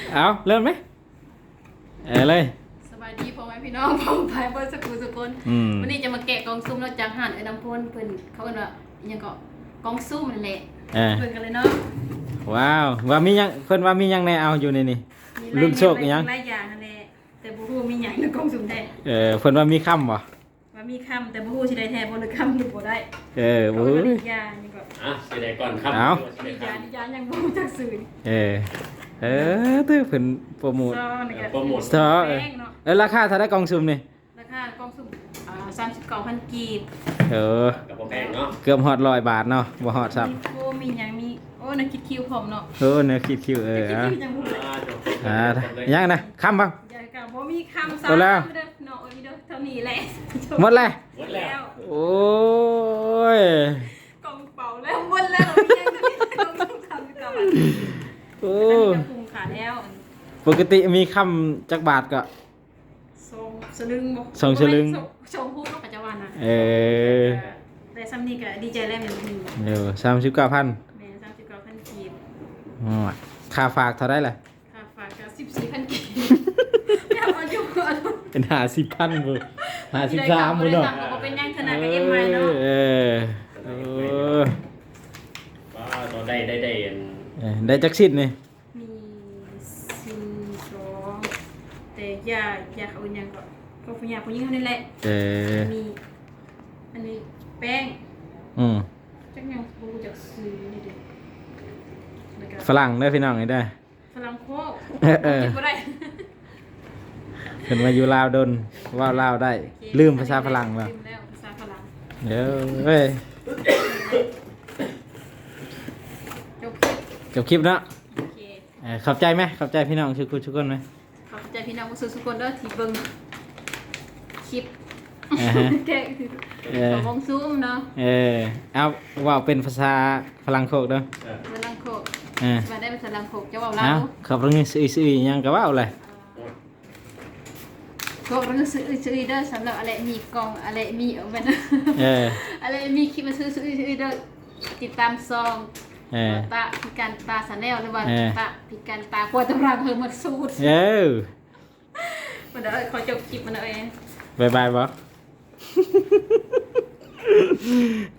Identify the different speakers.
Speaker 1: เอาเริ่มไหมเลย
Speaker 2: สบายดีพ่อแม่พี่น้องพ้องไปเพื่อสักคนสักคนวันนี้จะมาแกะกองซุ่มแล้วจากห่านน้ำพ่นเพิ่นเขาเอิ้นว่ายังก็กองซุ่มนั่นแหละเพิ่นกันเลยเนาะ
Speaker 1: ว้าวว่ามียังเพิ่นว่ามียังในเอาอยู่ในนี่รุ่นโชคยัง
Speaker 2: หลายอย่างนั่นแหละแต่บ่ฮู้มีหยังในกองซุ่มแท้
Speaker 1: เพิ่นว่ามีค่ำบ่
Speaker 2: ว่ามีคำแต่บ่ฮู้สิได้แท้บ่หรือคำหรือบ่ได้
Speaker 1: บ่ฮู้
Speaker 2: ยายังก็
Speaker 3: สิได้ก่อนครับ
Speaker 2: ยายังบ่รู้จักสื่อ
Speaker 1: ตื้อเพิ่นโปรโมทซอราคาเท่าได้กองซุ่มนี่
Speaker 2: ราคากองซุ่ม39,000 กีบ
Speaker 3: กับบ่แพงเนาะ
Speaker 1: เกือบฮอด100 บาทเนาะบ่ฮอดซับ
Speaker 2: มีหยังมีโอ้นักคิดคิวผมเนาะ
Speaker 1: เนื้อคิดคิวยังนะค่ำบ่
Speaker 2: บ่มีคำซ้ำเนาะมีเด้อเท่านี้แหละ
Speaker 1: หมดแล้วโอ้ย
Speaker 2: กองเป่าแล้วหมดแล้วยังก็มีกองคำกับ
Speaker 1: โอ้
Speaker 2: คุ้มค่าแล้ว
Speaker 1: ปกติมีคำจักบาทก็
Speaker 2: สลึงบ่
Speaker 1: 2สลึง
Speaker 2: ชมพูเนาะปัจจุบันน่ะแต่ซ้ำนี้ก็ดีใจแล้วแม่น
Speaker 1: 39,000
Speaker 2: แม่39,000 กีบ
Speaker 1: ค่าฝากเท่าได้ล่ะ
Speaker 2: ค่าฝากก็14,000 กีบอย่ามาอยู่
Speaker 1: เป็น50,000บ่53บ่เนาะ
Speaker 2: บ่เป็นหยังขนาดก็เอ็มใหม่เนาะ
Speaker 3: ตอนได้
Speaker 1: ได้จักสิทธิ์นี่
Speaker 2: มี2แต่ยาเขาหยังก็ผู้หญิงผู้หญิงเท่านี้แหละมีอันนี้แป้งจักยังบ่รู้จักซื้อนี่เด้
Speaker 1: ฝรั่งได้พี่น้องนี่ได้
Speaker 2: ฝรั่งโคกินบ่ได้
Speaker 1: เพิ่นมาอยู่ลาวดนว่าลาวได้ลืมภาษาฝรั่งแล้ว
Speaker 2: ลืมแล้วภาษาฝรั่ง
Speaker 1: เดี๋ยวเว้ยจบคลิปเนาะ
Speaker 2: โอเค
Speaker 1: ขอบใจไหมขอบใจพี่น้องทุกคนไหม
Speaker 2: ขอบใจพี่น้องทุกคนเด้อที่เบิ่งคลิปแกะของวงซูมเนาะ
Speaker 1: เอาว่าเป็นภาษาฝรั่งโคกเด้อ
Speaker 2: ฝรั่งโคกมาได้เป็นฝรั่งโคกจะว่าลาว
Speaker 1: ขอบคุณซื้อยังก็ว่าเลย
Speaker 2: ก็เรื่องซื้อเด้อสำหรับอะไรมีกองอะไรมีเอาไว้นะอะไรมีคลิปมาซื้อเด้อติดตามซองตาพิการตาสแนลหรือว่าตาพิการตาควรตำราเพิ่มมาสูตรมันเด้อขอจบคลิปมันเด้อ
Speaker 1: บ๊ายบายบ่